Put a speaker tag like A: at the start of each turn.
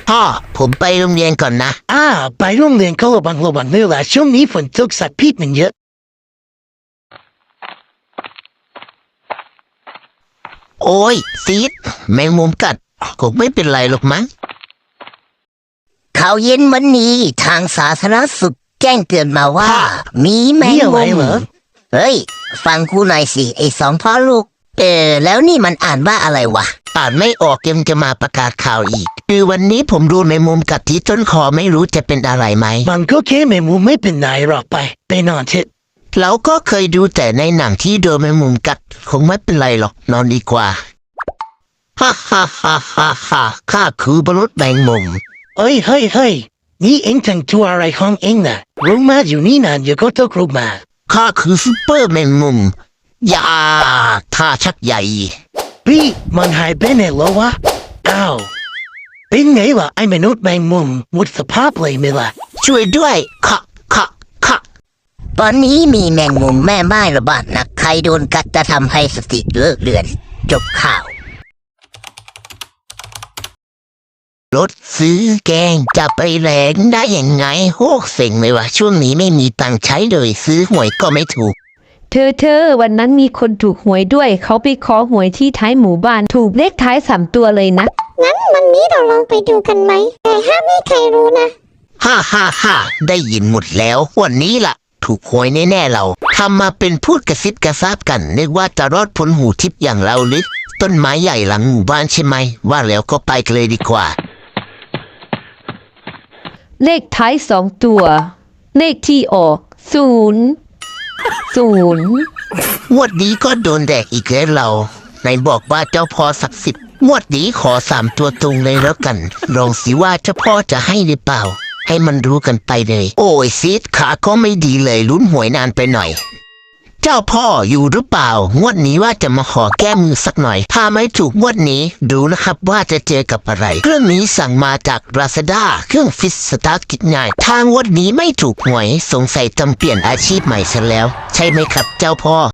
A: พ่อผมไปโรงเรียนก่อนนะ
B: ไปโรงเรียนก็ระวังด้วยล่ะช่วงนี้ฝนตกสัตว์พิษมันเยอะ
A: โอ้ยซีดแมงมุมกัดคงไม่เป็นไรหรอกมั้งข่าวเย็นวันนี้ทางสาธารณสุขแจ้งเตือนมาว่ามีแมงมุมเฮ้ยฟังกูหน่อยสิไอ้สองพ่อลูกแล้วนี่มันอ่านว่าอะไรวะอ่านไม่ออกยังจะมาประกาศข่าวอีกคือวันนี้ผมดูแมงมุมกัดที่ต้นคอไม่รู้จะเป็นอะไรไหม
B: มันก็แค่แมงมุมไม่เป็นไรหรอกไปนอนเถอะ
A: เราก็เคยดูแต่ในหนังที่โดนแมงมุมกัดคงไม่เป็นไรหรอกนอนดีกว่าฮ่าข้าคือมนุษย์แมงมุม
B: เฮ้ยนี่เอ็งแต่งตัวอะไรของเอ็งน่ะรู้มาอยู่นี่นานเดี๋ยวก็ต้องรู้มา
A: ข้าคือซุปเปอร์แมงมุมยาท่าชักใหญ่
B: พี่มันหายไปไหนแล้ววะอ้าวเป็นไงล่ะไอ้มนุษย์แมงมุมหมดสภาพเลยไหมล่ะ
A: ช่วยด้วยค่ะตอนนี้มีแมงมุมแม่ไม้ระบาดหนักใครโดนกัดจะทำให้สติเลิกเลือนจบข่าวรถซื้อแกงจะไปแรงได้ยังไงโหเซ็งเลยว่ะช่วงนี้ไม่มีตังค์ใช้เลยซื้อหวยก็ไม่ถูก
C: เธอวันนั้นมีคนถูกหวยด้วยเขาไปขอหวยที่ท้ายหมู่บ้านถูกเลขท้าย3 ตัวเลยนะ
D: งั้นวันนี้เราลองไปดูกันไหมแต่ห้ามให้ใครรู้นะ
A: ฮ่าได้ยินหมดแล้ววันนี้ล่ะถูกหวยแน่ๆเราทำมาเป็นพูดกระซิบกระซาบกันนึกว่าจะรอดพ้นหูทิพย์อย่างเราหรือต้นไม้ใหญ่หลังหมู่บ้านใช่ไหมว่าแล้วก็ไปกันเลยดีกว่า
C: เลขท้าย2 ตัวเลขที่ออก0
A: งวดนี้ก็โดนแดกอีกแล้วเราไหนบอกว่าเจ้าพ่อศักดิ์สิทธิ์งวดนี้ขอ3 ตัวตรงเลยแล้วกันลองสิว่าเจ้าพ่อจะให้หรือเปล่าให้มันรู้กันไปเลยโอ้ยซีดขาก็ไม่ดีเลยลุ้นหวยนานไปหน่อยเจ้าพ่ออยู่หรือเปล่างวดนี้ว่าจะมาขอแก้มือสักหน่อยถ้าไม่ถูกงวดนี้ดูนะครับว่าจะเจอกับอะไรเครื่องนี้สั่งมาจากราซาด้าเครื่องฟิตสตาร์ทกิจง่ายทางงวดนี้ไม่ถูกหวยสงสัยจำเปลี่ยนอาชีพใหม่ซะแล้วใช่ไหมครับเจ้าพ่อ